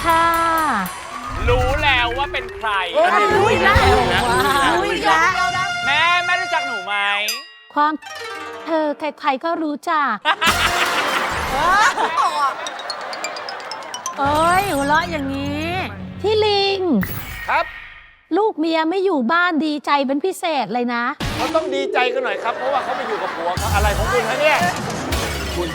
ค่ะรู้แล้วว่าเป็นใครรู้อีกแล้วรู้อีกแล้วแม่รู้จักหนูไหมความเธอใครๆก็รู้จักเอ้ยหัวเราะอย่างนี้พี่ลิงครับลูกเมียไม่อยู่บ้านดีใจเป็นพิเศษเลยนะเขาต้องดีใจกันหน่อยครับ เพราะว่าเขาไปอยู่กับผัวเขาอะไรของคุณฮะเนี่ยคุณ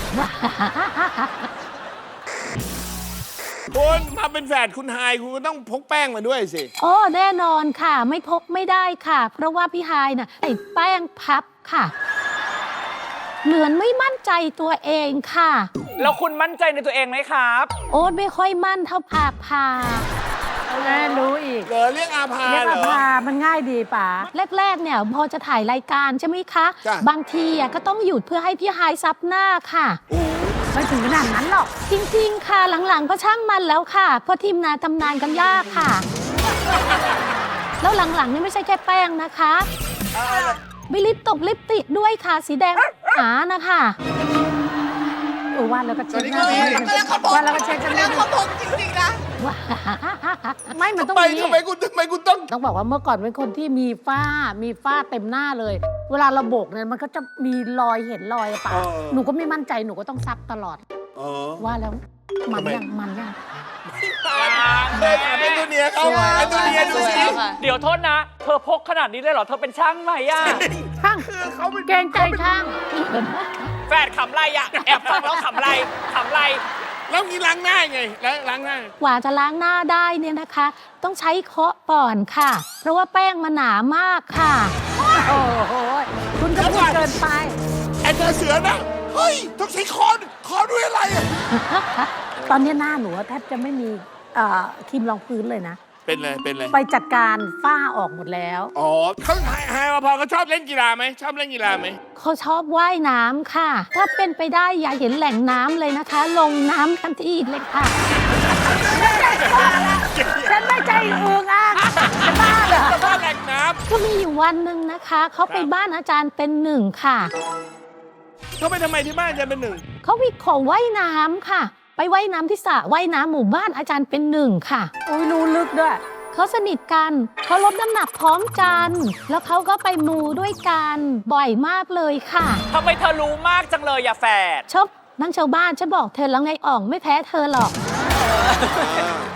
มาเป็นแฝดคุณไฮายคุณก็ต้องพกแป้งมาด้วยสิโอ้แน่นอนค่ะไม่พกไม่ได้ค่ะ เพราะว่าพี่ฮายน่ะใส่แป้งพับค่ะ เหมือนไม่มั่นใจตัวเองค่ะแล้วคุณมั่นใจในตัวเองไหมครับโอ๊ตไม่ค่อยมั่นเท่าพาแม่รู้อีกเหรอเรียกอาภาเรียกเหรอาอภามันง่ายดีป๋าแรกๆเนี่ยพอจะถ่ายรายการใช่ไหมคะจ้ะบางทีอ่ะก็ต้องหยุดเพื่อให้พี่ฮายซับหน้าค่ะไม่ถึงขนาดนั้นหรอกจริงๆค่ะหลังๆก็ช่างมันแล้วค่ะเพราะทีมงานทำงานกันยากค่ะ แล้วหลังๆนี่ไม่ใช่แค่แป้งนะคะมีลิปติดด้วยค่ะสีแดงหานะคะว่าแล้วก็เช็คตอนนี้ก็มีว่าแล้วก็เช็คกันแล้วเขาบอกจริงๆนะไม่มันต้องทำไมมีทำไมคุณต้องต้องบอกว่าเมื่อก่อนเป็นคนที่มีฝ้าเต็มหน้าเลย เวลาเราโบกเนี่ยมันก็จะมีรอยเห็นรอยอะป๋าเออหนูก็ไม่มั่นใจหนูก็ต้องซับตลอดอ๋อว่าแล้วมันทำไมยังเลยถามไอ้ตัวเนี้ยเขาไอ้ตัวเนี้ยดูสิเดี๋ยวโทษนะ เธอพกขนาดนี้เลยเหรอ เธอเป็นช่างไหมอะช่างคือเขาเป็นเกรงใจช่างแฟนขำไรอะแอบฟังแล้วขำไรแล้วงี้ล้างหน้าไงแล้วล้างหน้ากว่าจะล้างหน้าได้เนี่ยนะคะ ต้องใช้เคาะก่อนค่ะ เพราะว่าแป้งมันหนามากค่ะโอ้โหคุณก็พูดเกินไปไอ้ตัวเสือนะ เฮ้ย ต้องใช้คอนด้วยอะไรอะตอนนี้หน้าหนูแทบจะไม่มีครีมรองพื้นเลยนะเป็นเลยเป็นเลยไปจัดการฝ้าออกหมดแล้วอ๋อเขาไฮมาพอเขาชอบเล่นกีฬาไหมชอบเล่นกีฬาไหมเขาชอบว่ายน้ำค่ะ ถ้าเป็นไปได้อย่าเห็นแหล่งน้ำเลยนะคะ ลงน้ำทันทีเลยค่ะฉันไม่ใจอึงอ่ะจะบ้าเหรอบ้านแหล่งน้ก็มีอยู่วันหนึ่งนะคะ เขาไปบ้านอาจารย์เป็นหนึ่งค่ะำเขาไปทำไมที่บ้านจะเป็นหนึ่งเขาวิขอว่ายน้ำค่ะ ไปว่ายน้ำที่สระว่ายน้ำหมู่บ้านอาจารย์เป็นหนึ่งค่ะอุ้ยรู้ลึกด้วยเขาสนิทกันเขาลดน้ำหนักพร้อมกัน แล้วเขาก็ไปมูด้วยกันบ่อยมากเลยค่ะทำไมเธอรู้มากจังเลยอย่าแฝดชอบนั่งชาวบ้านฉันบอกเธอแล้วไงอ่องไม่แพ้เธอหรอก